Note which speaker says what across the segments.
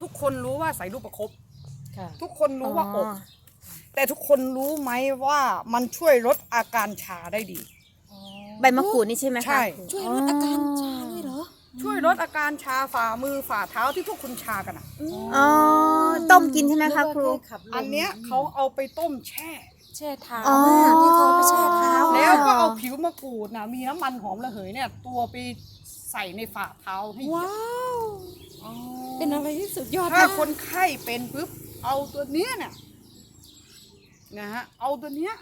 Speaker 1: กคนรู้ว่าใส่ลูกประคบ
Speaker 2: ค่ะ
Speaker 1: ทุกคนรู้ว่าอบแต่ทุกคนรู้ไหมว่ามันช่วยลดอาการชาได้ดี
Speaker 3: ใบมะกรูดนี่ใช่ไหมคะ
Speaker 1: ใช่
Speaker 2: ช่วยลดอาการชาด้วยเหรอ
Speaker 1: ช่วยลดอาการชาฝ่ามือฝ่าเท้าที่พวกคุณชากันอ่ะ
Speaker 3: อ๋อต้มกินใช่ไหมคะครู
Speaker 1: อันเนี้ยเขาเอาไปต้มแช่
Speaker 2: แช่เท้า
Speaker 3: อ๋อ
Speaker 2: ที่เขาไปแช่เท้า
Speaker 1: แล้วก็เอาผิวมะกรูดนะมีน้ำมันหอมระเหยเนี่ยตัวไปใส่ในฝ่าเท้าให้เหยีย
Speaker 2: ว้า
Speaker 1: บ
Speaker 2: ว เป็นอะไรที่สุดยอด
Speaker 1: ถ้า
Speaker 2: นะ
Speaker 1: คนไข้เป็นปุ๊บเอาตัวเนี้ยเนี่ยนะฮะเอาตัวเนี้ย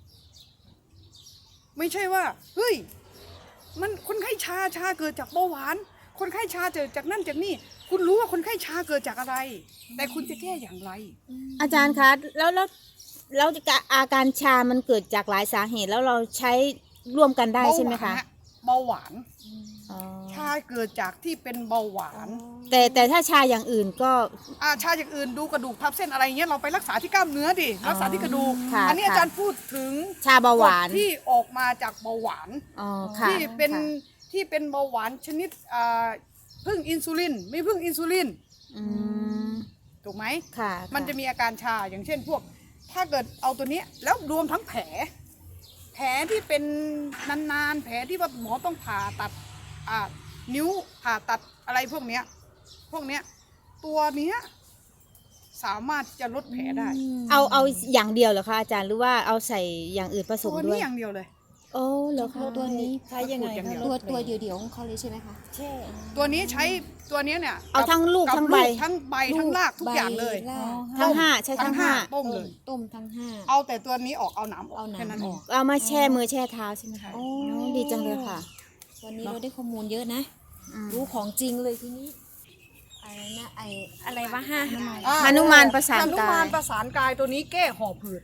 Speaker 1: ไม่ใช่ว่าเฮ้ยมันคนไข้ชาเกิดจากเบาหวาน คนไข้ชาเกิดจากนั่นจากนี่คุณรู้ว่าคนไข้ชาเกิดจากอะไร แต่คุณจะแก้อย่างไร
Speaker 3: อาจารย์คะแล้วอาการชามันเกิดจากหลายสาเหตุแล้วเราใช้ร่วมกันได้ใช่ไหมคะ
Speaker 1: เบาหวาน
Speaker 3: อ๋อ
Speaker 1: ชาเกิดจากที่เป็นเบาหวาน
Speaker 3: แต่ถ้าชาอย่างอื่นก็
Speaker 1: ชาอย่างอื่นดูกระดูกทับเส้นอะไรเงี้ยเราไปรักษาที่กล้ามเนื้อดิรักษาที่กระดูก
Speaker 3: ค่ะ
Speaker 1: อันนี้อาจารย์พูดถึง
Speaker 3: ชาเบาหวาน
Speaker 1: กรดที่ออกมาจากเบาหวาน
Speaker 3: อ๋อค่ะ
Speaker 1: ที่เป็น
Speaker 3: ค่ะ
Speaker 1: ที่เป็นเบาหวานชนิดพึ่งอินซูลินไม่พึ่งอินซูลิน
Speaker 3: อืม
Speaker 1: ถูกไหม
Speaker 3: ค่ะ
Speaker 1: มันจะมีอาการชาอย่างเช่นพวก ถ้าเกิดเอาตัวเนี้ยแล้วรวมทั้งแผลที่เป็นนานๆแผลที่ว่าหมอต้องผ่าตัดนิ้วผ่าตัดอะไรพวกเนี้ยตัวเนี้ยสามารถจะลดแผลได้
Speaker 3: เอาอย่างเดียวเหรอคะอาจารย์หรือว่าเอาใส่อย่างอื่นผสม
Speaker 1: ตัว
Speaker 3: ด้ว
Speaker 1: นี้
Speaker 3: ย
Speaker 1: อย่างเดียวเลย
Speaker 3: โอ้เหรอคะ
Speaker 2: ตัวนี้
Speaker 4: ใช้ยังไง
Speaker 1: อย่างเดียว
Speaker 2: ตัวเดียวๆของเขาเลยใช่ไหมคะ
Speaker 4: แช่
Speaker 1: ตัวนี้ใช้ตัวเนี้ยเนี่ย
Speaker 3: เอาทั้งลูก
Speaker 1: บ
Speaker 3: ทั้งใบ
Speaker 1: ทั้งใบทั้งรากทุกอย่างเลย
Speaker 2: ใบราก
Speaker 3: ทั้งห้าใช้ทั้งห้า
Speaker 1: ต้มเลย
Speaker 2: ต้มทั้งห้า
Speaker 1: เอาแต่ตัวนี้ออกเอาหนามออก
Speaker 2: เอาหนาม
Speaker 1: แค่นั้น
Speaker 2: อ
Speaker 1: เอ
Speaker 2: อง ก
Speaker 3: เอามาแช่มือแช่เท้าใช่ไหมคะ
Speaker 1: ใช่
Speaker 3: โอ้ดีจังเลยค่ะ
Speaker 2: วันนี้เราได้ข้อมูลเยอะนะ
Speaker 3: อืม
Speaker 2: รู้ของจริงเลยทีนี้อะไรนะอะไรวะห้า
Speaker 3: หนุมานประสาน
Speaker 1: หนุ
Speaker 3: กาย
Speaker 1: มานประสานกายตัวนี้แก้หอบหืด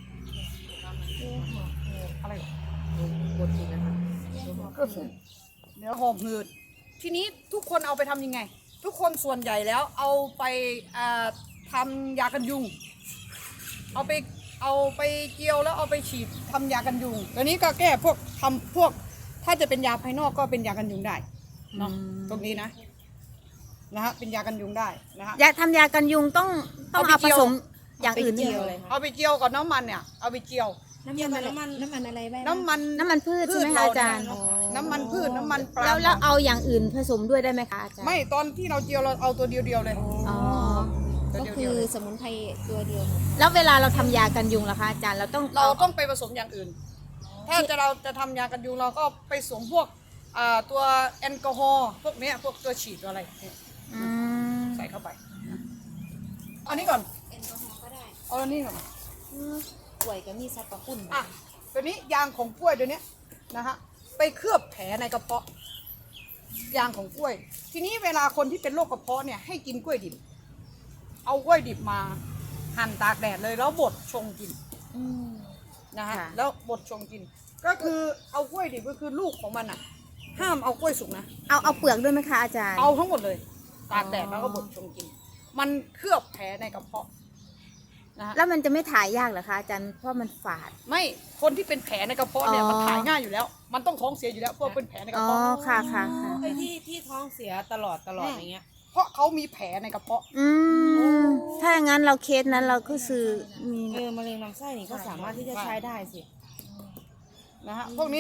Speaker 1: อะไรหรอ
Speaker 4: บดกินนะคะ
Speaker 1: ก็คือเดี๋ยวหอบหืดทีนี้ทุกคนเอาไปทำยังไง ทุกคนส่วนใหญ่แล้วเอาไปทำยากันยุง เอาไปเจียวแล้วเอาไปฉีดทำยากันยุงตัวนี้ก็แก้พวกทำพวกถ้าจะเป็นยาภายนอกก็เป็นยากันยุงได้เนาะตรงนี้นะฮะเป็นยากันยุงได้นะฮะ
Speaker 3: ยาทำยากันยุงต้อง
Speaker 1: เอา
Speaker 3: เอา
Speaker 1: ไป
Speaker 3: ผ
Speaker 1: เจียว
Speaker 3: สมอย่างอื่นด้วย
Speaker 2: เจี
Speaker 3: เห
Speaker 2: ยว
Speaker 3: รอ
Speaker 2: เลย
Speaker 1: เอาไปเจียวกับน้ำมันเนี่ยเอาไปเจียว
Speaker 2: น้ำมันอะไรบ้าง
Speaker 1: น้ำมัน
Speaker 3: น้ำมันพืชใช่ไหมคะอาจารย์
Speaker 1: น้ำมันพืชน้ำมันปลา
Speaker 3: แล้วเอาอย่างอื่นผสมด้วยได้ไหมคะอาจารย์
Speaker 1: ไม่ตอนที่เราเจียวเราเอาตัวเดียวๆเลย
Speaker 3: อ๋อ
Speaker 2: ก็คือสมุนไพรตัวเดียว
Speaker 3: แล้วเวลาเราทำยากันยุงล่ะคะอาจารย์เราต้อง
Speaker 1: เราต้องไปผสมอย่างอื่น ถ้าเราจะทำยากันยุงเราก็ไปสวมพวกตัวแอลกอฮอล์พวกเนี้ยพวกตัวฉีดตัวอะไรเนี่ย
Speaker 3: อืม
Speaker 1: ใส่เข้าไปอันนี้ก่อน
Speaker 2: แอลกอฮอล์ก็ได้
Speaker 1: เอาอันนี้ก่อน
Speaker 2: ป่วยก็มีซับปะปุ่น
Speaker 1: ตัวนี้ยางของกล้วยตัวเนี้ยนะฮะไปเคลือบแผลในกระเพาะยางของกล้วย ทีนี้เวลาคนที่เป็นโรคกระเพาะเนี่ยให้กินกล้วยดิบเอากล้วยดิบมาหั่นตากแดดเลยแล้วบดชงกินนะฮะแล้วบดชงกิน ก็คือเอากล้วยดิบก็คือลูกของมันอ่ะ ห้ามเอากล้วยสุกนะ
Speaker 3: เอาเปลือกด้วยไหมคะอาจารย์
Speaker 1: เอาทั้งหมดเลย ตากแดดแล้วก็บดชงกิน มันเคลือบแผลในกระเพาะนะฮะ
Speaker 3: แล้วมันจะไม่ถ่ายยากเหรอคะอาจารย์เพราะมันฝาด
Speaker 1: ไม่คนที่เป็นแผลในกระเพาะเนี่ย
Speaker 3: อ๋อ
Speaker 1: มันถ่ายง่ายอยู่แล้ว มันต้องท้องเสียอยู่แล้วเพราะเป็นแผลในกระ
Speaker 3: อ๋อ
Speaker 1: เพาะ
Speaker 3: ค่ะค่ะค่ะ
Speaker 4: ไอ้ที่ท้องเสียตลอดอย่างเงี้ย
Speaker 1: เพราะเขามีแผลในกระเพาะ
Speaker 3: อืมถ้าอย่างนั้นเราเคสนั้นเราก็คือมี
Speaker 4: มะเร็งลำไส้นี่ก็สามารถที่จะใช้ได้สิ
Speaker 1: นะฮะพวกนี้